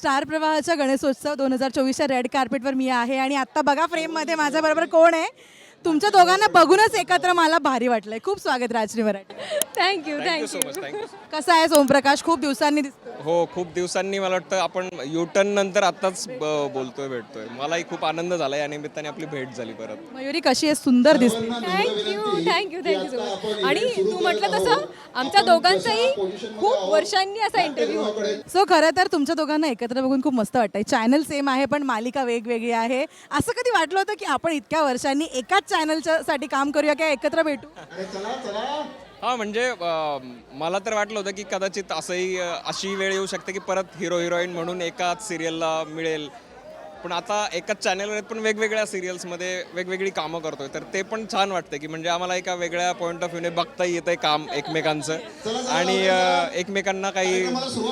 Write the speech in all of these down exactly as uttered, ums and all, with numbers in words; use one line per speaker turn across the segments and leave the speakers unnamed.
Star प्रवाहाच्या गणेशोत्सव दोन हजार चोवीसच्या रेड कार्पेटवर मी आहे आणि आत्ता बघा फ्रेममध्ये माझ्याबरोबर कोण आहे. तुमच्या दोघांना बघूनच एकत्र मला भारी वाटलंय. खूप स्वागत Rajashree Marathi.
Thank you
thank you so much
thank you
thank you
कसा आहे ओमप्रकाश? खूप दिवसांनी दिसतो.
हो खूप दिवसांनी मला वाटतं आपण युटर्न नंतर आताच ब- बोलतोय भेटतोय. मलाही खूप आनंद झाला या निमित्ताने आपली भेट झाली परत.
मयुरी कशी आहे? सुंदर दिसते.
Thank you thank you thank you so much. आणि तू म्हटलं तसं आमच्या दोघांचाही खूप वर्षांनी असा इंटरव्ह्यू होतो.
सो खरं तर तुमच्या दोघांना एकत्र बघून खूप मस्त वाटतंय. चॅनल सेम आहे पण मालिका वेगवेगळी आहे. असं कधी वाटलं होतं की आपण इतक्या वर्षांनी एकाच चॅनलच्या साठी काम करूया किंवा एकत्र भेटू?
हां म्हणजे अं, मला तर वाटलं होतं की कदाचित असंही अं, अशी वेळ येऊ शकते की परत हिरो हिरोईन म्हणून एकाच सिरियलला मिळेल. पण आता एकाच चॅनलवर आहेत पण वेगवेगळ्या सिरियल्समध्ये वेगवेगळी कामं करतोय. तर ते पण छान वाटतं की म्हणजे आम्हाला एका वेगळ्या पॉईंट ऑफ व्ह्यूने बघता येतंय काम एकमेकांचं आणि अं, एकमेकांना काही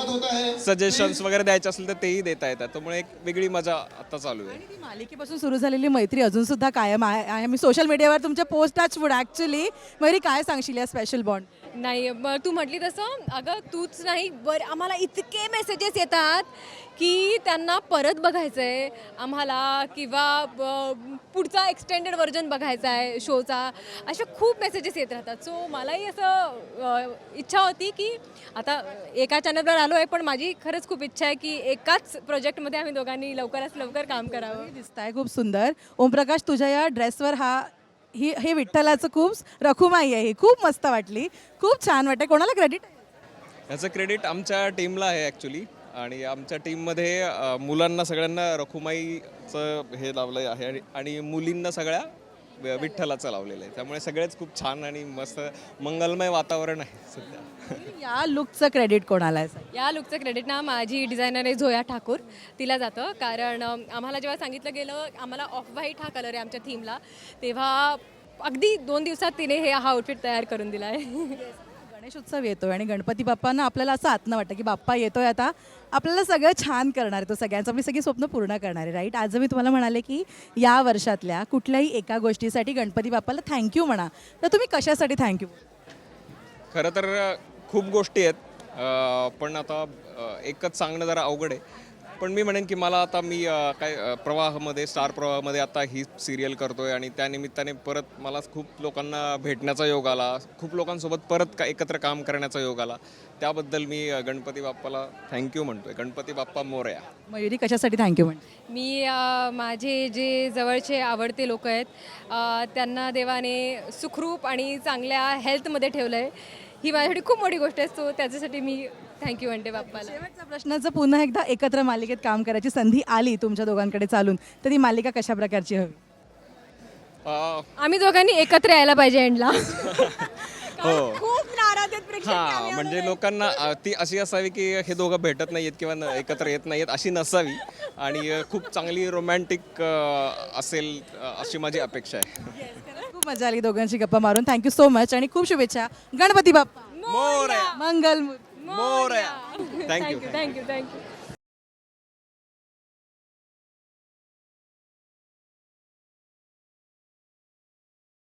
सजेशन्स वगैरे द्यायचे असेल तर तेही देता येतात. त्यामुळे एक वेगळी मजा आता चालू आहे.
आणि ती मालिकेपासून सुरू झालेली मैत्री अजून सुद्धा कायम आहे आहे. मी सोशल मीडियावर तुमच्या post touch wood actually. Mayuri काय सांगशील या स्पेशल बॉन्ड?
नाही मग तू म्हटली तसं अगं तूच नाही बर आम्हाला इतके मेसेजेस येतात की त्यांना परत बघायचं आहे आम्हाला किंवा ब- पुढचा एक्सटेंडेड व्हर्जन बघायचा आहे शोचा. असे खूप मेसेजेस येत राहतात. सो मलाही असं अ, इच्छा होती की आता एका चॅनलवर आलो आहे पण माझी खरंच खूप इच्छा आहे की एकाच प्रोजेक्टमध्ये आम्ही दोघांनी लवकरात लवकर काम करावं.
दिसत आहे खूप सुंदर. ओमप्रकाश तुझ्या या ड्रेसवर हा ही हे विठ्ठलाचं खूप रखुमाई आहे. ही खूप मस्त वाटली. खूप छान वाटते. कोणाला क्रेडिट?
याचं क्रेडिट आमच्या टीमला आहे ॲक्च्युली. आणि आमच्या टीममध्ये अ, मुलांना सगळ्यांना रखुमाईचं हे लावलं आहे आणि आणि मुलींना सगळ्या वि- विठ्ठलाचं लावलेलं आहे. त्यामुळे सगळेच खूप छान आणि मस्त मंगलमय वातावरण आहे सध्या.
या लुकचं क्रेडिट कोणाला आहे?
या लुकचं क्रेडिट ना माझी डिझायनर आहे झोया ठाकूर तिला जातं. कारण अम, आम्हाला जेव्हा सांगितलं गेलं आम्हाला ऑफ व्हाईट हा कलर आहे आमच्या थीमला तेव्हा अगदी दोन दिवसात तिने हे हा आउटफिट तयार करून दिला आहे.
गणेश उत्सव येतोय आणि गणपती बाप्पांना आपल्याला असं आतनं वाटतं की बाप्पा येतोय आता आपल्याला सगळं छान करणार आहे. तो सगळ्यांचं आपली सगळी स्वप्न पूर्ण करणार आहे. राईट. आज मी तुम्हाला म्हणाले की या वर्षातल्या कुठल्याही एका गोष्टीसाठी गणपती बाप्पाला थँक्यू म्हणा, तर तुम्ही कशासाठी थँक्यू?
खरं तर अ, खूप गोष्टी आहेत अ, पण आता अ, एकच सांगणं जरा अवघड आहे. पण मी म्हणेन की मला आता मी अ, काय अ, प्रवाहामध्ये स्टार प्रवाहामध्ये आता ही सिरियल करतोय आणि त्यानिमित्ताने परत मला खूप लोकांना भेटण्याचा योग आला. खूप लोकांसोबत परत का एकत्र काम करण्याचा योग आला. त्याबद्दल मी अ, गणपती बाप्पाला थँक्यू म्हणतोय. गणपती बाप्पा मोरया.
मयुरी कशासाठी थँक्यू म्हणते?
मी अ, माझे जे जवळचे आवडते लोक आहेत अ, त्यांना देवाने सुखरूप आणि चांगल्या हेल्थमध्ये ठेवलं आहे. ही माझ्यासाठी खूप मोठी गोष्ट आहे. सो त्याच्यासाठी मी थँक्यू म्हणते बाप्पाला.
शेवटचा प्रश्न, जर पुन्हा एकदा एकत्र मालिकेत काम करायची संधी आली तुमच्या दोघांकडे चालून, तर ती मालिका कशा प्रकारची हवी?
अ,
आम्ही दोघांनी एकत्र यायला पाहिजे एंडला.
हो.
खूप नाराज आहेत प्रेक्षक की आम्ही
हां म्हणजे लोकांना अ, ती अशी असावी की हे दोघं भेटत नाहीयेत किंवा न- एकत्र येत नाहीयेत अशी नसावी आणि अ, खूप चांगली रोमॅन्टिक असेल अ, अशी माझी अपेक्षा आहे.
खूप मजा आली दोघांची गप्पा मारून. थँक्यू सो मच आणि खूप शुभेच्छा. गणपती बाप्पा
मोरया
मंगल.
मोरया थँक्यू
थँक्यू थँक्यू थँक्यू